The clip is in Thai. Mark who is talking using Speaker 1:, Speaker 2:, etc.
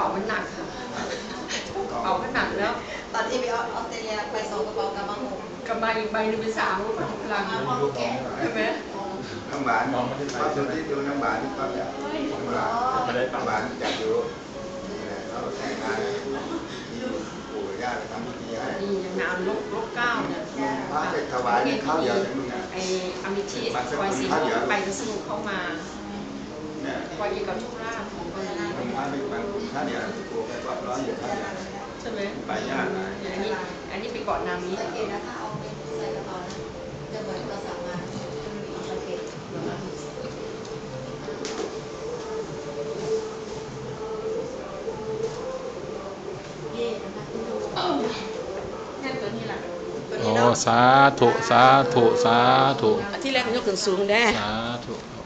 Speaker 1: ป๋ามันหนักค่ะกระเป๋ามันหนักแล้ว
Speaker 2: ตอนที่ไปออสเตรเลียไป2 กระเป๋ากำลัง
Speaker 1: กำไรอีกใบนึงเป็น3ก็พลังใช่ไหม
Speaker 3: น้ำหวานความสุขที่ดูน้ำหวานนี่ก็จะน้ำหวานจะอยู่เราแต่งงานปู่ย่าไปทำพิธีให้
Speaker 1: นี่ยังนานลบเก้าเนี่ย
Speaker 3: พระไปถวายข้าวเดียวมึงอ่ะ
Speaker 1: ไออมิชีคอยสีไปกระซิบเข้ามาคอยยิงกับทุกราชของคนนี้
Speaker 3: พระไปบางข้าวเดียวปู่ไปวัดร้อนอยู่ข้าวเดียว
Speaker 1: ใช่ไหม
Speaker 3: ไปยาก
Speaker 1: อันนี้ไปเกาะนามิ
Speaker 2: สังเกตนะถ้าเอาไปใส่กระเป๋านะจะเหมือนเราสั่งมาสังเกต
Speaker 1: แค่ตัวนี้แหละ
Speaker 4: โอ้สาธุสาธุสาธุ
Speaker 1: ที่แรกมันยกขึ้นสูงได้
Speaker 4: สาธุโอ้